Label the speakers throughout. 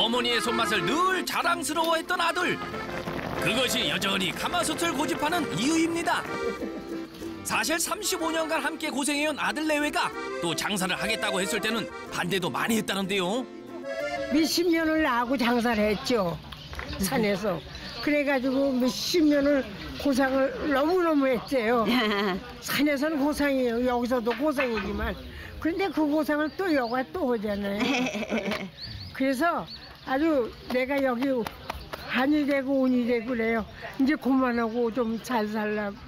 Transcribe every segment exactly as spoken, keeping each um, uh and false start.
Speaker 1: 어머니의 손맛을 늘 자랑스러워했던 아들. 그것이 여전히 가마솥을 고집하는 이유입니다. 사실 삼십오 년간 함께 고생해온 아들 내외가 또 장사를 하겠다고 했을 때는 반대도 많이 했다는데요.
Speaker 2: 몇십 년을 나하고 장사를 했죠. 산에서. 그래가지고 몇십 년을 고생을 너무너무 했대요. 산에서는 고생이에요. 여기서도 고생이지만. 그런데 그 고생을 또 여가 또 하잖아요. 그래서 아주 내가 여기 한이 되고 운이 되고 그래요. 이제 그만하고 좀 잘 살라고.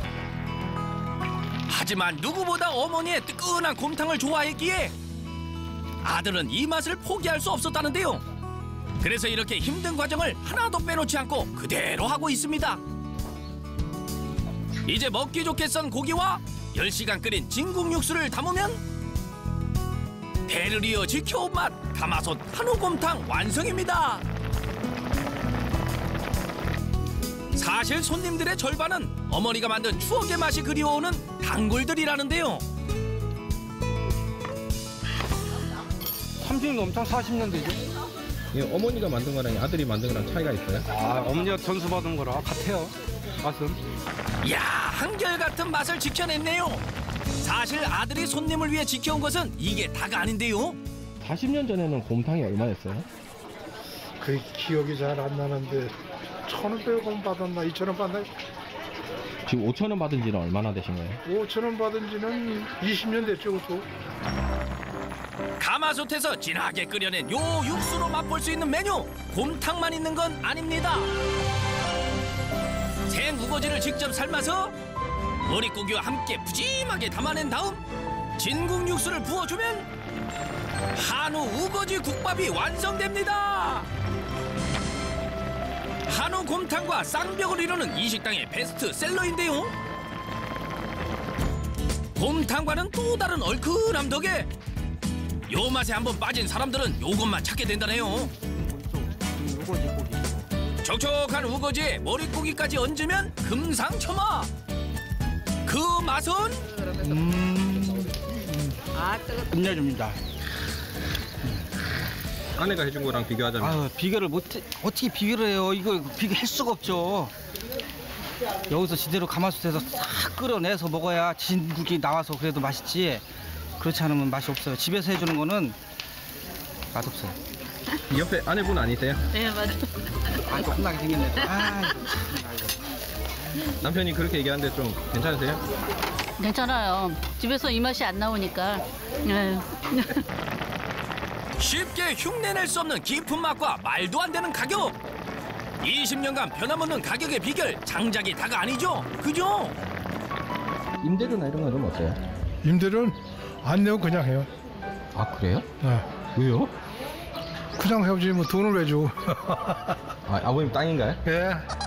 Speaker 1: 하지만 누구보다 어머니의 뜨끈한 곰탕을 좋아했기에 아들은 이 맛을 포기할 수 없었다는데요. 그래서 이렇게 힘든 과정을 하나도 빼놓지 않고 그대로 하고 있습니다. 이제 먹기 좋게 썬 고기와 열 시간 끓인 진국 육수를 담으면 대를 이어 지켜온 맛 가마솥 한우곰탕 완성입니다. 사실 손님들의 절반은 어머니가 만든 추억의 맛이 그리워오는 단골들이라는데요.
Speaker 3: 삼십 년 넘창 사십 년 되죠.
Speaker 4: 예, 어머니가 만든 거랑 아들이 만든 거랑 차이가 있어요?
Speaker 3: 아, 어머니가 전수받은 거라 같아요. 맛은.
Speaker 1: 이야, 한결같은 맛을 지켜냈네요. 사실 아들이 손님을 위해 지켜온 것은 이게 다가 아닌데요.
Speaker 4: 사십 년 전에는 곰탕이 얼마였어요?
Speaker 5: 그 기억이 잘 안 나는데 천오백 원 받았나 이천 원 받나?
Speaker 4: 지금 오천 원 받은 지는 얼마나 되신 거예요?
Speaker 5: 오천 원 받은 지는 이십 년 됐죠, 그것도.
Speaker 1: 가마솥에서 진하게 끓여낸 요 육수로 맛볼 수 있는 메뉴 곰탕만 있는 건 아닙니다. 생 우거지를 직접 삶아서 머릿고기와 함께 푸짐하게 담아낸 다음 진국 육수를 부어주면 한우 우거지 국밥이 완성됩니다. 한우 곰탕과 쌍벽을 이루는 이 식당의 베스트셀러인데요. 곰탕과는 또 다른 얼큰함 덕에 요 맛에 한번 빠진 사람들은 요것만 찾게 된다네요.
Speaker 3: 우거지 고기.
Speaker 1: 촉촉한 우거지에 머릿고기까지 얹으면 금상첨화. 그 맛은?
Speaker 3: 음. 끝내줍니다.
Speaker 4: 아내가 해준 거랑 비교하자면?
Speaker 3: 아, 비교를 못 어떻게 비교를 해요? 이거 비교할 수가 없죠. 여기서 제대로 가마솥에서 싹 끓여내서 먹어야 진국이 나와서 그래도 맛있지. 그렇지 않으면 맛이 없어요. 집에서 해주는 거는 맛없어요.
Speaker 4: 옆에 아내분 아니세요?
Speaker 6: 네, 맞아요.
Speaker 3: 아, 혼나게 생겼네. 아,
Speaker 4: 남편이 그렇게 얘기하는데 좀 괜찮으세요?
Speaker 6: 괜찮아요. 집에서 이 맛이 안 나오니까. 네.
Speaker 1: 쉽게 흉내낼 수 없는 깊은 맛과 말도 안 되는 가격. 이십 년간 변함없는 가격의 비결 장작이 다가 아니죠? 그죠?
Speaker 4: 임대료나 이런 건 좀 어때요?
Speaker 5: 임대료는 안 내고 그냥 해요.
Speaker 4: 아, 그래요?
Speaker 5: 네.
Speaker 4: 왜요?
Speaker 5: 그냥 해오지 뭐 돈을 왜 줘?
Speaker 4: 아, 아버님 땅인가요?
Speaker 5: 예.